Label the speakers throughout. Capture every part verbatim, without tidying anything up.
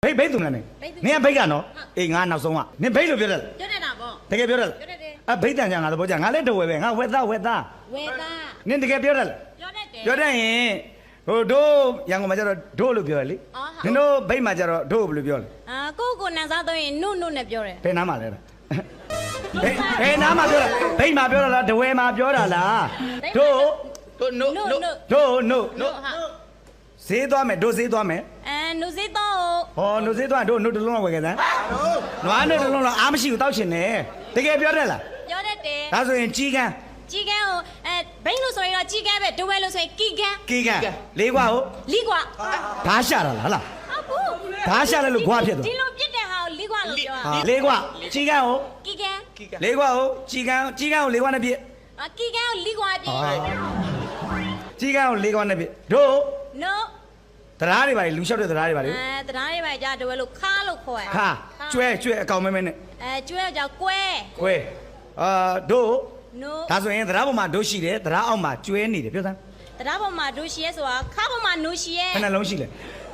Speaker 1: ဖိတ်ဖိတ်သူနဲ့နေနင်ကဖိတ်ကနော်အေးငါနောက်ဆုံးကနင်ဖိတ်လို့ပြောတယ်
Speaker 2: ပြောတတ်တာပေါ့
Speaker 1: တကယ်ပြောတယ်
Speaker 2: ပြောတတ်တယ်
Speaker 1: အဖိတ်တန်ကြငါသဘောကျငါလည်းတဝဲပဲငါဝက်သားဝက်သား
Speaker 2: ဝဲသား
Speaker 1: နင်တကယ်ပြောတယ်
Speaker 2: ပြောတတ်တယ်
Speaker 1: ပြောတတ်ရင်ဟိုတို့ရန်ကုန်မှာကျတော့တို့လို့ပြောရလေနင်တို့ဖိတ်မှာကျတော့တို့ဘယ်လိုပြောလဲ
Speaker 2: အာကိုကိုနန်းစားတော့ရင်နုနုနဲ့ပြောတယ်
Speaker 1: ဘယ်နားမှာလဲဘယ်ဘယ်နားမှာပြောတာဖိတ်မှာပြောတာလားတဝဲမှာပြောတာလားတို့တို့နို့နို့တို့နို့နို့ဈေးသွားမယ်တို့ဈေးသွားမယ်
Speaker 2: အဲနုစေးတော့
Speaker 1: ဟောနို့ဈေးသွားတို့နို့တစ်လုံးလောက်ဝယ်ခဲ့စမ်းနွားနို့တစ်လုံးလောက်အားမရှိဘူးတောက်ချင်တယ်တကယ်ပြောတယ်လား
Speaker 2: ပြောတတ်တယ်
Speaker 1: ဒါဆိုရင်ကြီးကန်း
Speaker 2: ကြီးကန်းကိုအဲဘိန်းလို့ဆိုရင်တော့ကြီးကန်းပဲဒဝဲလို့ဆိုရင်ကီကန်း
Speaker 1: ကီကန်းလေးကွာဟုတ်
Speaker 2: လီကွာ
Speaker 1: ဓာရှာတာလားလား
Speaker 2: ဟုတ်
Speaker 1: ဓာရှာလဲလို့ကွာဖြစ်သွား
Speaker 2: ဒီလိုပြစ်တဲ့ဟာကိုလီကွာလို့ပြောတာ
Speaker 1: လေးကွာကြီးကန်းဟုတ်
Speaker 2: ကီကန်း
Speaker 1: လေးကွာဟုတ်ကြီးကန်းကြီးကန်းကိုလေးကွာနဲ့ပြစ်
Speaker 2: အာကီကန်းကိုလီကွာပြစ်
Speaker 1: ကြီးကန်းကိုလေးကွာနဲ့ပြစ်တို့
Speaker 2: no
Speaker 1: တရားတွေပါလေလူလျှောက်တဲ့တရားတွေပါလေ
Speaker 2: အဲတရားတွေပါကြဒဝဲလို့ခါလို့ခေါ်ရ
Speaker 1: ခါကျွဲကျွဲအကောင်မဲမဲနဲ့
Speaker 2: အဲကျွဲကြောင့်ကွဲ
Speaker 1: ကွဲအာတို့
Speaker 2: no
Speaker 1: ဒါဆိုရင်တရားပေါ်မှာတို့ရှိတယ်တရားအောက်မှာကျွဲနေတယ်ပြောစမ်း
Speaker 2: တရားပေါ်မှာတို့ရှိရဲဆိုတာခါပေါ်မှာနိုးရှိရဲ
Speaker 1: ဘယ်နှလုံးရှိလဲ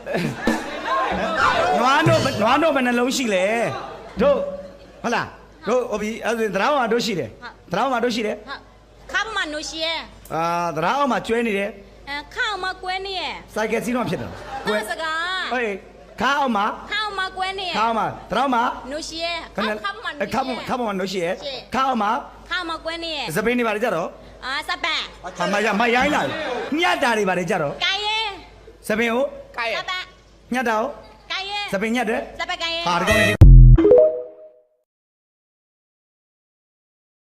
Speaker 1: နွားတို့နွားတို့ဘယ်နှလုံးရှိလဲတို့ဟုတ်လားတို့ဟိုပြီအဲဆိုရင်တရားပေါ်မှာတို့ရှိတယ်တရားပေါ်မှာတို့ရှိတယ်
Speaker 2: ခါပေါ်မှာနိုးရှိရဲ
Speaker 1: အာတရားအောက်မှာကျွဲနေတယ်
Speaker 2: အဲခါအောင်မှာကွဲနေရဲ
Speaker 1: စိုက်ကယ်စီးတော့ဖြစ်တယ်
Speaker 2: ကွဲစကား
Speaker 1: ဟေးခါအောင်မှာ
Speaker 2: ခါအောင်မှာကွဲနေရဲ
Speaker 1: ခါအောင်မှာတရားမှာ
Speaker 2: နိုးရှိရဲခါပေါ်မှာနိုးရှိရဲ
Speaker 1: ခါပေါ်ခါပေါ်မှာနိုးရှိရဲခါအောင်မှာ
Speaker 2: ခါမှာကွဲနေရဲ
Speaker 1: စပိန်နေပါလေကြတော့
Speaker 2: အာစပန်
Speaker 1: ဟာမရမရိုင်းလာညတ်တာတွေပါလေကြတော့
Speaker 2: ကိုင်ရဲ
Speaker 1: စပိန်ကို
Speaker 2: ကိုင်ရဲစပန်
Speaker 1: ညတ်တာကို
Speaker 2: ကိုင်ရဲ
Speaker 1: စပိန်ညတ်တယ်
Speaker 2: စပန်ကိုင်ရဲ
Speaker 1: ဟာဒီကောင်